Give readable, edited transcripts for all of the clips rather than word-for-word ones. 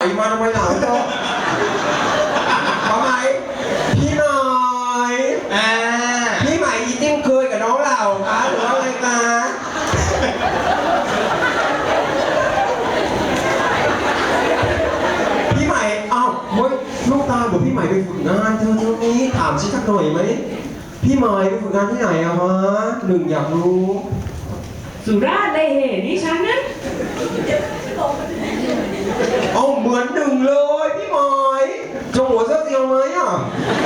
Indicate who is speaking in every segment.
Speaker 1: มาทำไมหนาวจังทำไมพี่หน่อยพี่ใหม่อีจิ้มเคยกับน้องเราคะหรือว่าอะไรคะพี่ใหม่เอ้าเฮ้ยลูกตาบอกพี่ใหม่ไปฝึกงานเธอนี้ถามชิสักหน่อยไหมพี่ใหม่ไปฝึกงานที่ไหนอะฮะหนึ่งอยากรู้
Speaker 2: สุราษฎร์เลยเหนี่ฉันนะ
Speaker 1: เอาเหมือนหนึ่งเลยพี่หมอยจงหัวเสื้อเตียวไหมอ่ะ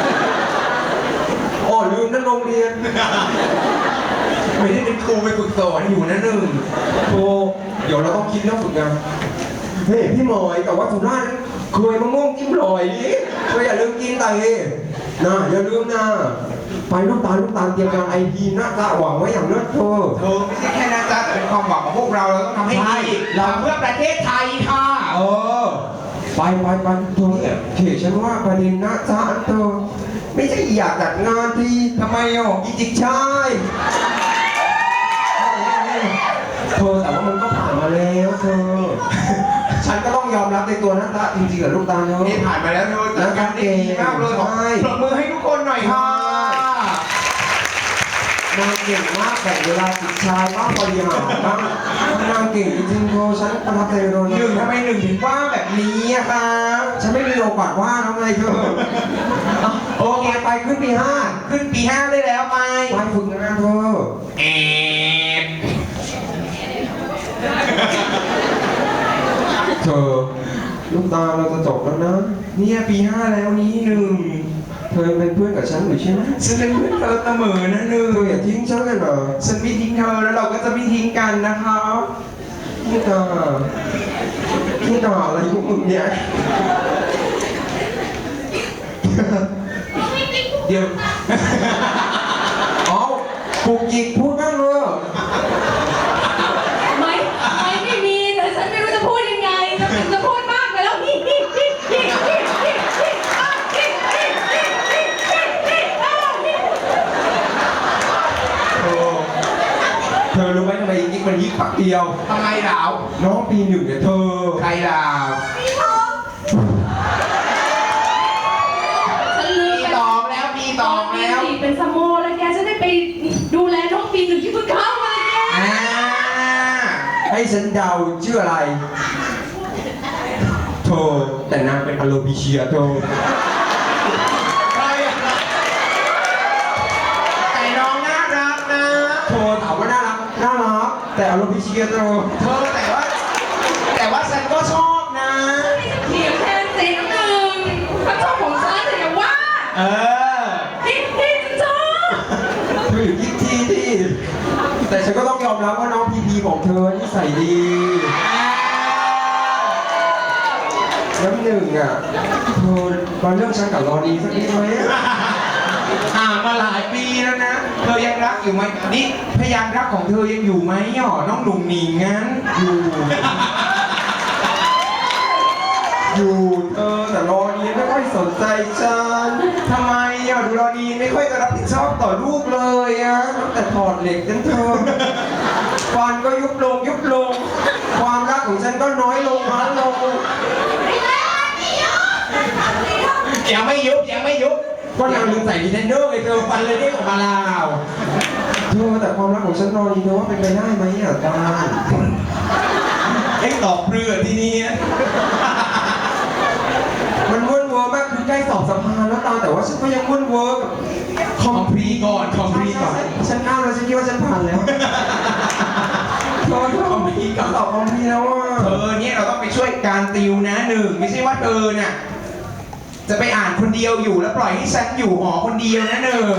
Speaker 1: อ๋อลืมนั่นโรงเรียนไม่ได้เป็นครูไปฝึกสอนอยู่นะหนึ่งโธ่เดี๋ยวเราต้องคิดเรื่องฝึกงานเฮ้ยพี่หมอยแต่ว่าสุราษฎร์เคยมะม่วงจิ้มลอยดิก็อย่าลืมกินไตนะอย่าลืมนะไปลูกตาลเตรียมการไอพีน่าจะหวังไว้อย่างเลิศเธอ
Speaker 3: ไม่ใช่แค่นะจ๊ะแต่เป็นความหวังของพวกเราต้องทำให้ดีเราเพื่อประเทศไทยค่ะ
Speaker 1: ไปเธอเนี่ยเขตฉันว่าประเด็นนะจ๊ะเธอไม่ใช่อยากจัดงานที่
Speaker 3: ทำไม
Speaker 1: จิกใช่เธอแต่ว่ามันก็ผ่านมาแล้วเธอฉันก็ต้องยอมรับในตัวนะจ๊ะจริงๆเหรอลูกตาเนอะ
Speaker 3: นี่ผ่านมาแล้วเธอจัดการได้ดีมากเลยปรบมือให้ทุกคนหน่อยค่ะ
Speaker 1: นางเก่งมากแบ่งเวลาจิกชายบ้างบริหารบ้างนางเก่งจริงๆเธอฉันประทับใจเลย
Speaker 3: หนึ่งทำไมหนึ่งถึงว่าแบบนี้อะครับ
Speaker 1: ฉันไม่มีโอกาสว่าแล้วไงเธอโอเคไปขึ้นปี
Speaker 3: 5ได้แล้วไป
Speaker 1: ฝึกงานเธอเธอลูกตาเราจะจบแล้วนะ
Speaker 3: เนี่ยปี 5แล้วนี้หนึ่ง
Speaker 1: เธอเป็นเพื่อนกับฉันอยู่ใช่ไหม
Speaker 3: ฉันเป็นเพื่อนเธอเสมอนะหนึ่ง
Speaker 1: เธออย่าทิ้งฉันเลยเหรอ
Speaker 3: ฉันไม่ทิ้งเธอแล้วเราก็จะไม่ทิ้งกันนะครับ
Speaker 1: ลูกตาอะไรพวกมึงเนี่ยเดี๋ยวอ๋อกูกิกพูดบ้างเลย
Speaker 2: ไม่มีแต่ฉันไม่รู้จะพูดยังไงจะพูดมากไปแล้ว
Speaker 1: เธอรู้ไหมทำไมกิ๊กมันยิกปักเดียว
Speaker 3: ทำไมดาว
Speaker 1: น้องปี 1เนี่ยเธอ
Speaker 3: ใครดาวปีตองแล้ว
Speaker 2: เป็นสโมแล้วแกจะได้ไปดูแลน้องปี 1ที่เพิ่งเข้ามาแก
Speaker 1: ให้ฉันเดาชื่ออะไรเธอแต่นางเป็นอโลบิเชียเธอ
Speaker 3: แต่น้องน่ารักนะ
Speaker 1: เธอถามว่าน่ารักแต่อโลบิเชียเธอ
Speaker 3: แต่ว่าฉันก็ชอบนะ
Speaker 2: เถียงแทนสีน้ำหนึ่งเขาชอบของฉันแต่อย่าว่าที่ชอบ
Speaker 1: เธออยู่ที่แต่ฉันก็ต้องยอมรับว่าน้องพีของเธอนิสัยดีน้ำหนึ่งอ่ะเธอมาเรื่องฉันกับรอดีสักนิดไหม
Speaker 3: มาหลายปีแล้วนะเธอยังรักอยู่ไหมนี่พยานรักของเธอยังอยู่ไหมน้องหนุ่มหนิงงั้น
Speaker 1: อยู่แต่รอดีไม่ค่อยสนใจฉัน
Speaker 3: ทำไมดูรอดีไม่ค่อยจะรับผิดชอบต่อลูกเลย
Speaker 1: ตั้งแต่ถอดเหล็กจนเธอฟันก็ยุบลงความรักของฉันก็น้อยลง
Speaker 3: ยังไม่ยุบ
Speaker 1: ก็นางลืมใส่ดีเทนเนอร์ไงเธอฟันเลยได้ออกมาลาวเธอแต่ความรักของฉันรอดีเธอว่าเป็นไปได้ไหมตา
Speaker 3: ให้ตอบเรือที่นี่
Speaker 1: มันวุ่นเวอร์มากคือใกล้สอบสภาแล้วตาแต่ว่าฉันก็ยังวุ่นเวอร์กับ
Speaker 3: คอมพลีก่อน
Speaker 1: ฉันอ้าวแล้วฉันคิดว่าฉันผ่านแล้ว
Speaker 3: คอมพลีก่อน
Speaker 1: สอบคอมพลีแล้ว
Speaker 3: เธอเนี่ยเราต้องไปช่วยการติวนะหนึ่งไม่ใช่ว่าเธอเนี่ยจะไปอ่านคนเดียวอยู่แล้วปล่อยให้ฉันอยู่หอคนเดียวนะหนึ่ง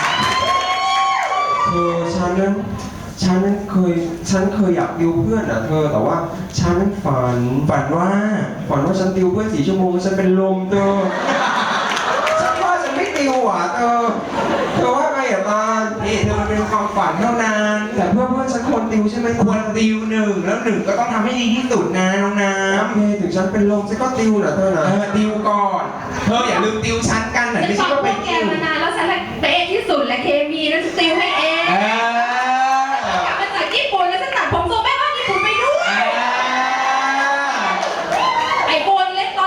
Speaker 1: ฉันนั้นเคยอยากติวเพื่อนเธอแต่ว่าฉันฝันว่าฉันติวเพื่อน4 ชั่วโมงฉันเป็นลมเธอฉันว่าฉันไม่ติวเธอว่าไงตา
Speaker 3: เธอมันเป็นความฝันเท่านั้น
Speaker 1: แต่เพื่อนฉันควรติวใช่ไหม
Speaker 3: ควรติวหนึ่งแล้วหนึ่งก็ต้องทำให้ดีที่สุดนะน้องน้ำ
Speaker 1: โอเคถึงฉันเป็นลมฉันก็ติวนะเธอนะ
Speaker 3: ติวก่อนเธออย่าลืมติวชั้นกันหน่อยไม่ใช่ว่าไป
Speaker 2: ติวมานานแล้วฉันเป๊ะที่สุดและเคมีนั้นติวให้เองกลับมาจากญี่ปุ่นแล้วฉันตัดผมทรงแม่บ้านญี่ปุ่นไปด้วยไอ้โบนเล็กตอ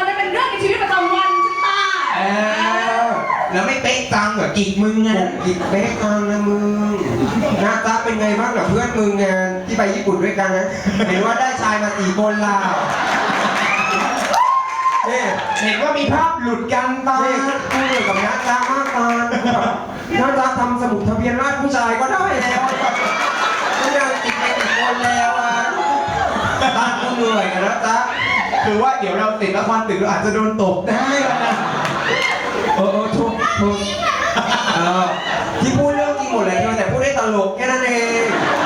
Speaker 3: เหรอกิกมึงไง
Speaker 1: กิกเบ๊กกันนะมึงหน้าตาเป็นไงบ้างกับเพื่อนมึงไงที่ไปญี่ปุ่นด้วยกันนะเห็นว่าได้ชายมา4 คนล่ะเนี่ย
Speaker 3: เห็นว่ามีภาพหลุดกันตอน
Speaker 1: นี่คู่เดียวกับน้าตามากตาน้าตาทำสมุดทะเบียนราษฎร์ผู้ชายก็ได้แล้วไม่ได้ติดไปกี่คนแล้วอ่ะตากูเหนื่อยกับน้าตา
Speaker 3: คือว่าเดี๋ยวเราติดละครตึกเราอาจจะโดนตบได้แล้วนะ
Speaker 1: ทุกที่พูดเรื่องจริงหมดเลยเธอแต่พูดได้ตลกแค่นั้นเอง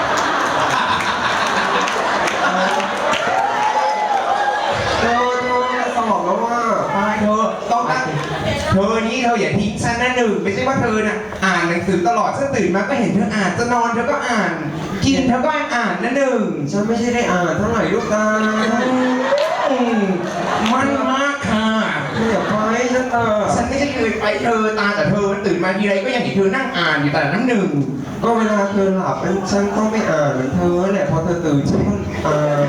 Speaker 1: เธอสมองแล้วว่า
Speaker 3: ไปเธอต้องตั้งเธอนี้เธออย่าทิ้งฉันนะหนึ่งไม่ใช่ว่าเธอน่ะอ่านหนังสือตลอดฉันตื่นมาก็เห็นเธออ่านจะนอนเธอก็อ่าน กินเธอก็อ่านนะหนึ่ง
Speaker 1: ฉันไม่ใช่ได้อ่านเท่าไหร่ลูกตา
Speaker 3: มันมากค่ะ
Speaker 1: อย่าไปฉัน
Speaker 3: ฉันไม่ใช่เคยไปเธอตาแต่เธอตื่นมาทีไรก็ยังเห็นเธอนั่งอ่านอยู่แต่น้ำหนึ่ง
Speaker 1: ก็เวลาเธอหลับฉันต้องไม่อ่านเหมือนเธอแหละพอเธอตื่นฉันก็อ่าน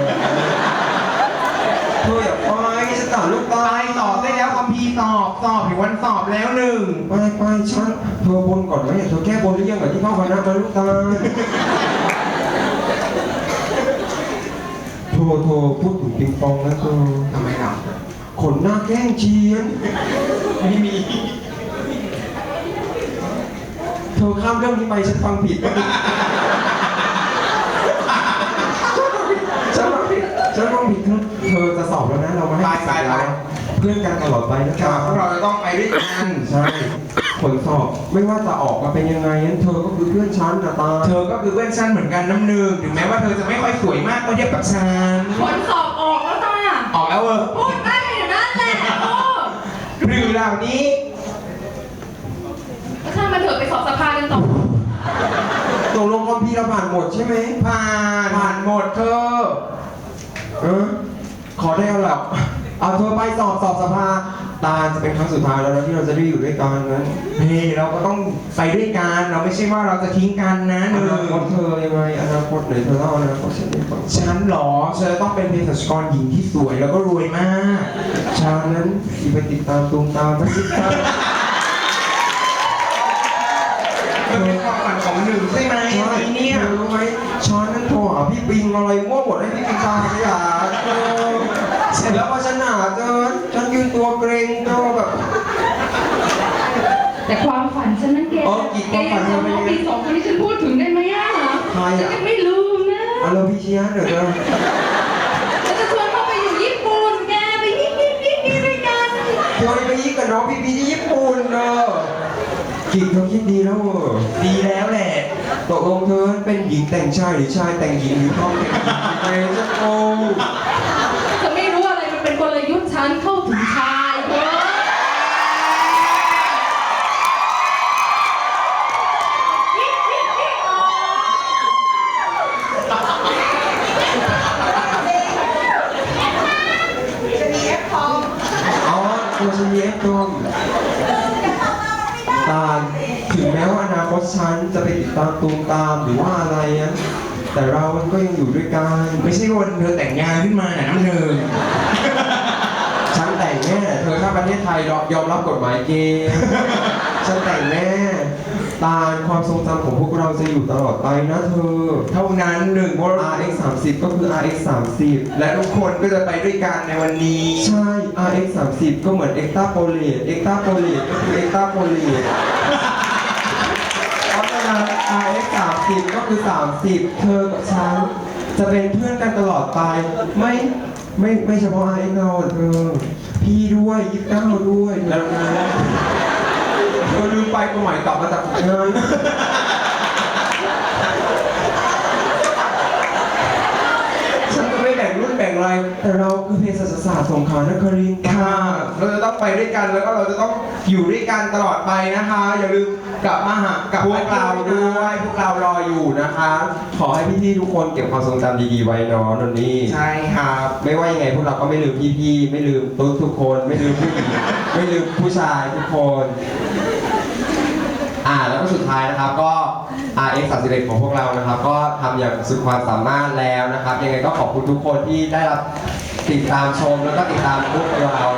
Speaker 1: เธออย่าไปฉันต่างลูกตา
Speaker 3: ไปสอบได้แล้วคัมภีร์สอบถึงวันสอบแล้วหนึ่ง
Speaker 1: ไปฉันเธอบนก่อนไหมเธอแก้บนหรือยังกับที่พ่อคณะมาลูกตาโทรพูดถึงปิงปองนะเธอ
Speaker 3: ทำไมล่ะ
Speaker 1: ขนหน้าแข้งเชียน
Speaker 3: ไม่มี
Speaker 1: เธอข้ามเรื่องนี้ไปฉันฟังผิดฉันฟังผิดเธอจะสอบแล้วนะเรามาให้เพื่อนกันตลอดไปนะ
Speaker 3: ค
Speaker 1: ค
Speaker 3: รั
Speaker 1: รั
Speaker 3: บบ พวกเราจะต้องไปด้วยกัน
Speaker 1: ใช่ผลสอบไม่ว่าจะออกมาเป็นยังไงนั้นเธอก็คือเพื่อนฉันนะตา
Speaker 3: เธอก็คือเพื่อนฉันเหมือนกันน้ำหนึ่งถึงแม้ว่าเธอจะไม่ค่อยสวยมากก็เทียบกับฉัน
Speaker 2: ผลสอบออกแล้วจ้า
Speaker 3: ออกแล้วเออ
Speaker 2: พูดได้อยู่นั่นแหละโอ้
Speaker 3: หรือเหล่านี้
Speaker 2: ช่างมันเถอะไปสอบสภากันต่อ
Speaker 1: ตกลงคอมพีเราผ่านหมดใช่ไหม
Speaker 3: ผ่านหมดเธอ
Speaker 1: ขอได้เอาหลับเอาเธอไปสอบสภาตาจะเป็นครั้งสุดท้ายแล้วนะที่เราจะได้อยู่ด้วยกันนั้น
Speaker 3: เฮ้ยเราก็ต้องไปด้วยกันเราไม่ใช่ว่าเราจะทิ้งกันนะห
Speaker 1: อ
Speaker 3: นึ่
Speaker 1: นาคต
Speaker 3: ง
Speaker 1: เธอยังไงอนาคตไหนเธอเล่าอนาคตฉันให้ฟัง
Speaker 3: ฉันเหรอฉันจะต้องเป็นเภสัชกรหญิงที่สวยแล้วก็รวยมาก
Speaker 1: ฉันนั้นที่ไปติดตามตูมตามไปติดตาม
Speaker 3: มันเป็นความฝันของหนึ่งใช่ไหม
Speaker 1: ใช่
Speaker 3: เนี่ย
Speaker 1: เธอรู้ไหมฉันนั้นโทรหาพี่ปิงอะไรมั่วหมดให้พี่ปิงตามไปหาเสร็จแล้วพอฉันหาเจอฉันยืนตัวเกรงตัวแบบ
Speaker 2: แต่ความฝันฉันนั้นแก
Speaker 1: ความฝันเธอเป็น
Speaker 2: น้
Speaker 1: ยั
Speaker 2: อง
Speaker 1: งไง
Speaker 2: ปี2คนที่ฉันพูดถึงได้ไหมอ่ะ
Speaker 1: ใครอ่ะ
Speaker 2: ฉันยังไม่ลืมนะ
Speaker 1: เอาเราพี่เชียร์เดี๋ยวเธอ
Speaker 2: แล้วจะชวนเขาไปอยู่ญี่ปุ่นแกไปยิกด้วยกัน
Speaker 1: เธอไปยิงกับน้องพี่พีที่ญี่ปุ่นเนอะกิจเขาคิดดีแล้วเออ
Speaker 3: ดีแล้วแหละ
Speaker 1: ตกลงเธอเป็นหญิงแต่งชายหรือชายแต่งหญิงหรือต้องแต่งหญิงไปสักโอ้
Speaker 2: จะไม่รู้อะไรมันเป็นกลยุทธ์ฉันเข้าถึงชายเธอ
Speaker 1: อ๋อตัวฉันเย็บตัวตาลถึงแม้ว่าอนาคตฉันจะไปติดตามตูมตามหรือว่าอะไรนะแต่เรามันก็ยังอยู่ด้วยกัน
Speaker 3: ไม่ใช่วันเธอแต่งงานขึ้นมาน่ะน้ำหนึ่ง
Speaker 1: ฉันแต่งแน่เธอถ้าประเทศไทยยอมรับกฎหมายเกย์ฉันแต่งแน่ตาลความทรงจำของพวกเราจะอยู่ตลอดไปนะเธอ
Speaker 3: เท่านั้นหนึ่งว่า
Speaker 1: RX 30ก็คือ RX 30
Speaker 3: และทุกคนก็จะไปด้วยกันในวันนี้
Speaker 1: ใช่ RX 30ก็เหมือน Extra Polate Extra Polate ก็คือ Extra Polate เพราะฉะนั้น RX 30ก็คือ 30 เธอกับฉันจะเป็นเพื่อนกันตลอดไป ไม่เฉพาะ RX เราเธอ พี่ด้วย29ด้วยแล้วนะเธอลืมไปประใหม่กลับมาจากงาน ฉันก็ไม่แบ่งรุ่นแบ่งอะไร แต่เราคือเภสัชศาสตร์สงขลานครินทร์
Speaker 3: ค่ะ เราจะต้องไปด้วยกันแล้วก็เราจะต้องอยู่ด้วยกันตลอดไปนะคะ อย่าลืมกลับมาหากับ
Speaker 1: พ
Speaker 3: พ
Speaker 1: ว
Speaker 3: ว
Speaker 1: ก
Speaker 3: ก
Speaker 1: เรา
Speaker 3: เรา
Speaker 1: ด้
Speaker 3: ด้
Speaker 1: ว
Speaker 3: วย ย
Speaker 1: พวกเรารออยู่นะคะ ขอให้พี่ๆทุกคนเก็บความทรงจำดีๆไว้เนาะนนนี่
Speaker 3: ใช่ครับ
Speaker 1: ไม่ว่ายังไงพวกเราก็ไม่ลืมพี่ๆไม่ลืมตุ๊ดทุกคน ไม่ลืมผู้หญิง ไม่ลืมผู้ชายทุกคน แล้วก็สุดท้ายนะครับก็ RX 31ของพวกเรานะครับ ก็ทำอย่างสุดความสามารถแล้วนะครับ ยังไงก็ขอบคุณทุกคนที่ได้รับติดตามชมแล้วก็ติดตามพวกเรา